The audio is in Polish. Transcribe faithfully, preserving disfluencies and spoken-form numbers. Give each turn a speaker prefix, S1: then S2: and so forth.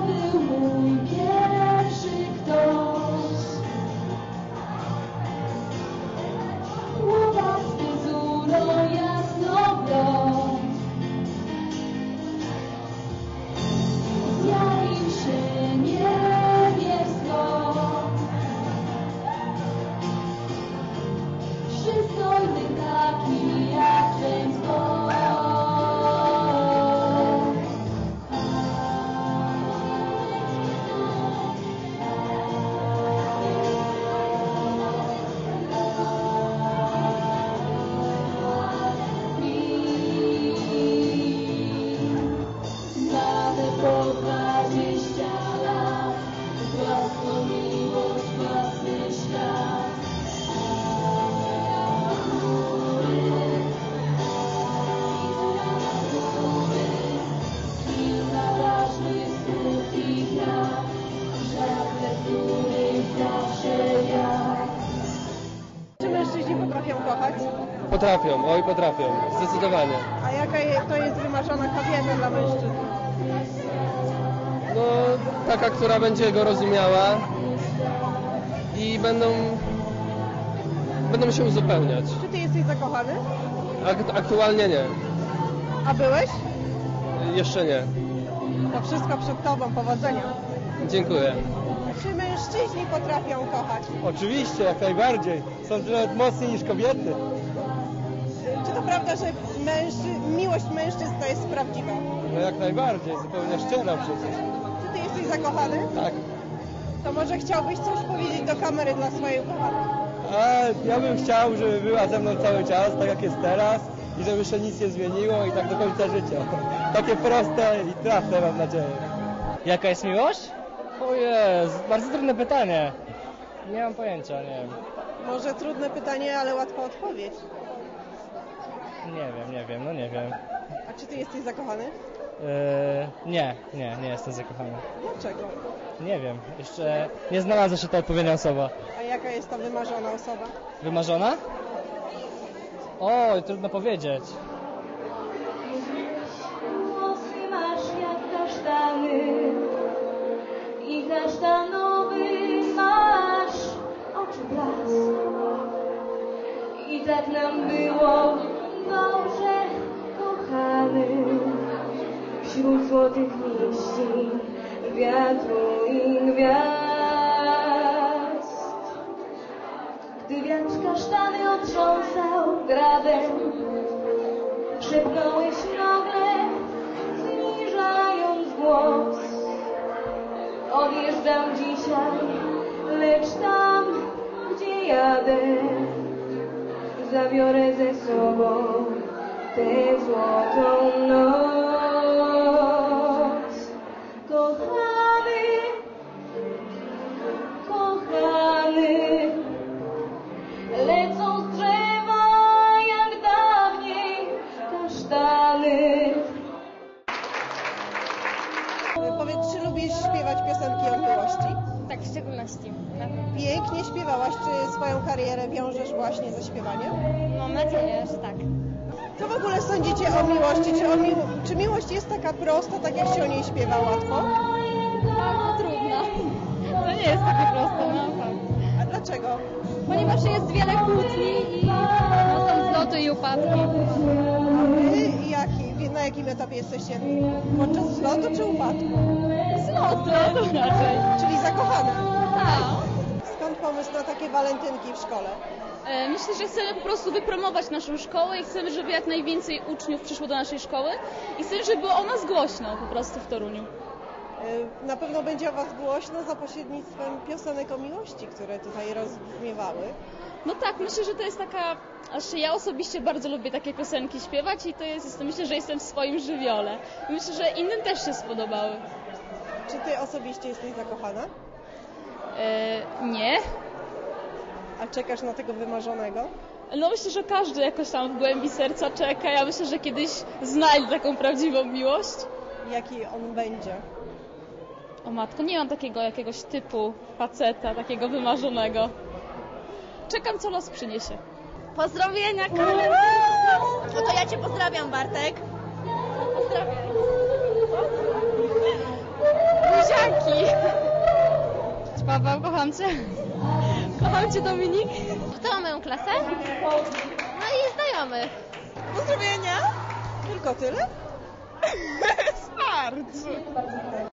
S1: był mój pierwszy ktoś. Łobasty zuro jasnoblond zjawił się niebiesko. Przystojny taki jak James Bond. Nawet po dwadzieścia lat, własną miłość, własny świat. Kilka ważnych słów i praw, żadne z których zawsze ja.
S2: Czy mężczyźni potrafią kochać?
S3: Potrafią, oj potrafią, zdecydowanie.
S2: A jaka je- to jest wymarzona kobieta dla mężczyzn?
S3: No, taka, która będzie go rozumiała i będą, będą się uzupełniać.
S2: Czy ty jesteś zakochany?
S3: Ak- aktualnie nie,
S2: A byłeś?
S3: jeszcze nie.
S2: To wszystko przed tobą, powodzenia.
S3: Dziękuję.
S2: Czy mężczyźni potrafią kochać?
S4: Oczywiście, jak najbardziej. Są nawet mocniej niż kobiety.
S2: Czy to prawda, że mężczy... miłość mężczyzn to jest prawdziwa?
S4: No jak najbardziej, zupełnie szczera przecież.
S2: Czy ty jesteś zakochany?
S4: Tak.
S2: To może chciałbyś coś powiedzieć do kamery dla swojej ukochanej?
S4: A ja bym chciał, żeby była ze mną cały czas, tak jak jest teraz i żeby się nic nie zmieniło i tak do końca życia. Takie proste i trafne, mam nadzieję.
S5: Jaka jest miłość? O jest, bardzo trudne pytanie. Nie mam pojęcia, nie wiem.
S2: Może trudne pytanie, ale łatwa odpowiedź.
S5: Nie wiem, nie wiem, no nie wiem.
S2: A czy ty jesteś zakochany?
S5: Yy, nie, nie, nie jestem zakochany.
S2: Dlaczego?
S5: Nie wiem, jeszcze nie znalazła się ta odpowiednia osoba.
S2: A jaka jest to wymarzona osoba?
S5: Wymarzona? Oj, trudno powiedzieć.
S1: Włosy masz jak kasztany i kasztanowy masz oczy blask. I tak nam było dobrze, kochany, wśród złotych liści, wiatru i gwiazd. Gdy wiatr kasztany otrząsał gradem, szepnąłeś nagle, zniżając głos. Odjeżdżam dzisiaj, lecz tam, gdzie jadę, zabiorę ze sobą tę złotą noc. Kochany, kochany, lecą z drzewa jak dawniej kasztany.
S2: Powiedz, czy lubisz śpiewać piosenki o miłości?
S6: Tak, w szczególności. Tak.
S2: Pięknie śpiewałaś. Czy swoją karierę wiążesz właśnie ze śpiewaniem?
S6: Mam nadzieję, że tak.
S2: Co w ogóle sądzicie o miłości? Czy, o mi... czy miłość jest taka prosta, tak jak się o niej śpiewa łatwo?
S6: Bardzo trudno. To nie jest takie proste, no tak.
S2: A dlaczego?
S6: Ponieważ jest wiele kłótni i no, są zloty i upadki.
S2: A wy jaki, na jakim etapie jesteście? Podczas zlotu czy upadku?
S6: Zloty raczej.
S2: Czyli zakochane.
S6: Tak.
S2: Skąd pomysł na takie walentynki w szkole?
S6: E, Myślę, że chcemy po prostu wypromować naszą szkołę i chcemy, żeby jak najwięcej uczniów przyszło do naszej szkoły i chcemy, żeby było o nas głośno po prostu w Toruniu.
S2: Y, Na pewno będzie o was głośno za pośrednictwem piosenek o miłości, które tutaj rozbrzmiewały.
S6: No tak, myślę, że to jest taka, aż ja osobiście bardzo lubię takie piosenki śpiewać i to jest, myślę, że jestem w swoim żywiole. I myślę, że innym też się spodobały.
S2: Czy ty osobiście jesteś zakochana?
S6: E, nie.
S2: A czekasz na tego wymarzonego?
S6: No myślę, że każdy jakoś tam w głębi serca czeka. Ja myślę, że kiedyś znajdzie taką prawdziwą miłość.
S2: Jaki on będzie?
S6: O matko, nie mam takiego jakiegoś typu faceta, takiego wymarzonego. Czekam, co los przyniesie.
S7: Pozdrowienia, Karolina! No to ja cię pozdrawiam, Bartek.
S6: Pozdrawiam.
S7: Buzia! buziaki. Paweł, kocham cię. Kocham cię, Dominik. Kto ma moją klasę? No i znajomych.
S2: Pozdrowienia. Tylko tyle? Starczy.